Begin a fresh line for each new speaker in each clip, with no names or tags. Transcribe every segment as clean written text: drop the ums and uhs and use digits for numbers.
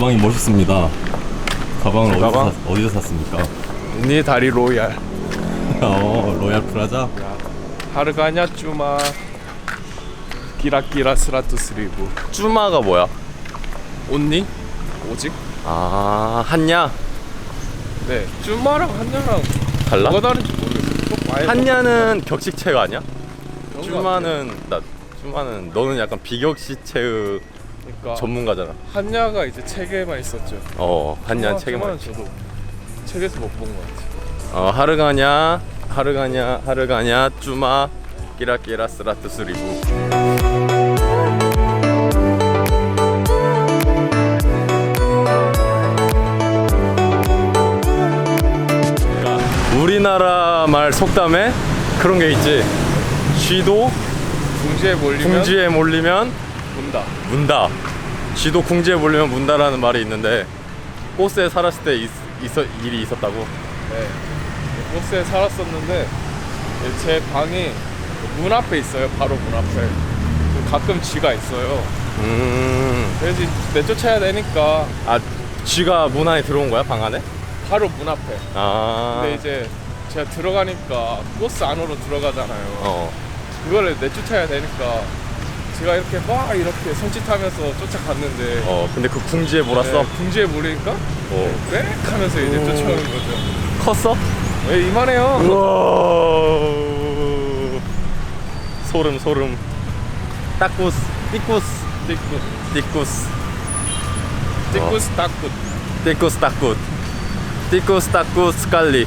가방이 멋있습니다. 가방을
가방?
어디서 샀습니까?
네 다리 로얄.
로얄 프라자?
하르가냐 쭈마 기라기라 스라투스리브.
쭈마가 뭐야?
온니? 오직?
아, 한야?
네. 쭈마랑 한냐랑
달라?
뭐가 다른지 모르겠어요. 꼭 아예
한야는 격식체가 아니야?
그런 것 같아요.
쭈마는 너는 약간 비격식체의
그러니까
전문가잖아.
한야가 이제 책에만 있었죠.
한야
쭈마는
책에만.
저도 책에서 못 본 것 같아요.
하르가냐 쭈마 끼라끼라 스라투스리부. 우리나라 말 속담에 그런 게 있지. 쥐도 궁지에 몰리면
문다.
문다. 쥐도 궁지에 몰리면 문다라는 말이 있는데 꽃에 살았을 때 일이 있었다고.
네. 호스에 살았었는데 제 방이 문 앞에 있어요. 바로 문 앞에. 가끔 쥐가 있어요. 그래서 내쫓아야 되니까
아, 쥐가 문 안에 들어온 거야, 방 안에?
바로 문 앞에.
아.
근데 이제 제가 들어가니까 코스 안으로 들어가잖아요. 그거를 내쫓아야 되니까 제가 이렇게 막 이렇게 손짓하면서 쫓아갔는데
근데 그 궁지에 몰았어?
네, 궁지에 몰리니까 빽 하면서 이제 쫓아오는 거죠.
컸어?
왜 이만해요?
우와. 소름. 따꾸스, 띠꾸스, 띠꾸스,
따굿.
띠꾸스 따꾸스 깔리.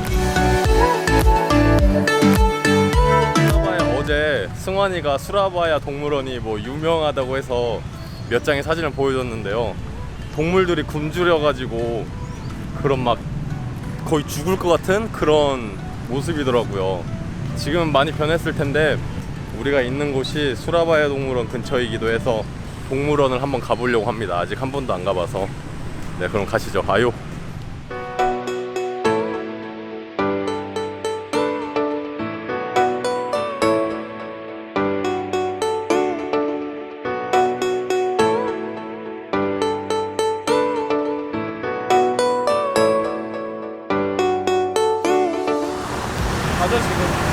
어제 승환이가 수라바야 동물원이 뭐 유명하다고 해서 몇 장의 사진을 보여줬는데요. 동물들이 굶주려가지고 그런 막 거의 죽을 것 같은 그런 모습이더라고요. 지금 많이 변했을 텐데 우리가 있는 곳이 수라바야 동물원 근처이기도 해서 동물원을 한번 가보려고 합니다. 아직 한 번도 안 가봐서. 네, 그럼 가시죠. 아요.
가자 지금.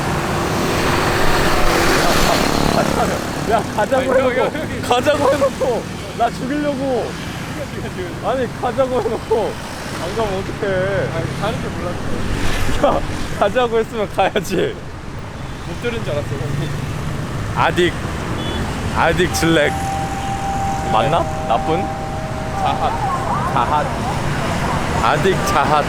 야, 가자고
아니,
해놓고
형이.
가자고 해놓고 나 죽이려고. 아니, 가자고 해놓고 안 가면 어떡해.
아니 가는 줄 몰랐어.
야, 가자고 했으면 가야지.
못 들은 줄 알았어. 형이.
아딕 질렉 맞나? 나쁜?
자핫.
아딕 자핫.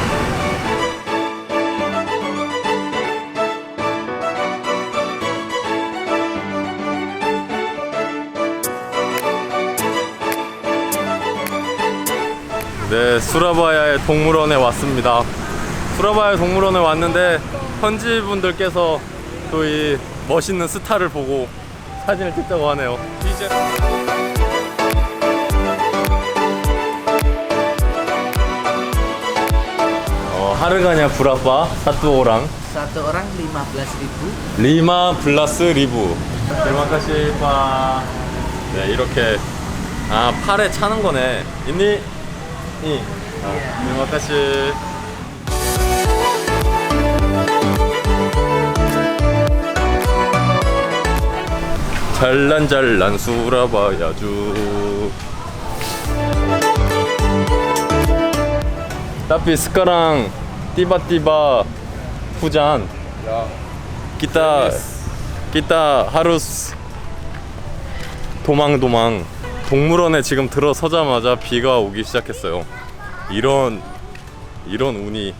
네, 수라바야의 동물원에 왔습니다. 수라바야 동물원에 왔는데 현지 분들께서 또 이 멋있는 스타를 보고 사진을 찍자고 하네요.
이제
하르가냐 브라빠 사투오랑
Satu orang 15.000.
리마 블라스 리브. terima 빠. 네, 이렇게 팔에 차는 거네. 있니? terima kasih. 잘난 수라바야주. tapi sekarang tiba-tiba hujan.
야
kita harus 도망. 동물원에 지금 들어서자마자 비가 오기 시작했어요. 이런 운이.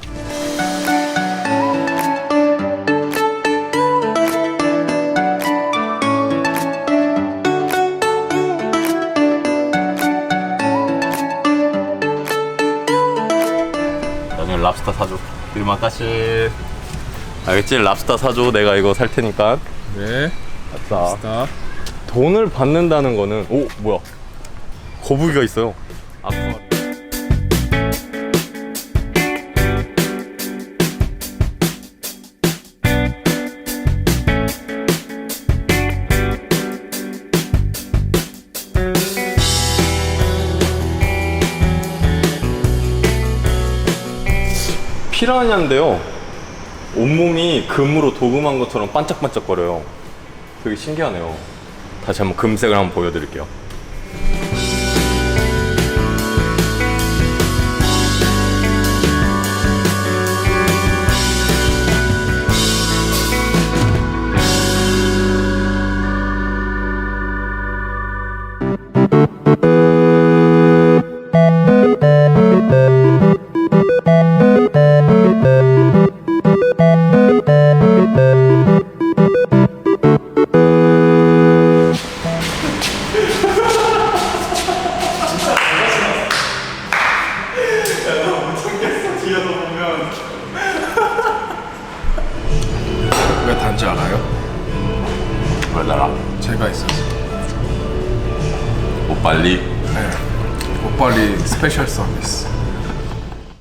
나중에 랍스터 사줘. 들마 까시. 알겠지? 랍스터 사줘. 내가 이거 살 테니까.
네.
아싸.
스타.
돈을 받는다는 거는 뭐야? 거북이가 있어요. 피라냐인데요. 온몸이 금으로 도금한 것처럼 반짝반짝거려요. 되게 신기하네요. 다시 한번 금색을 한번 보여드릴게요.
왜 단지 알아요?
몰라라.
제가 있어서.
못 빨리.
네. 옷빨리 스페셜 서비스.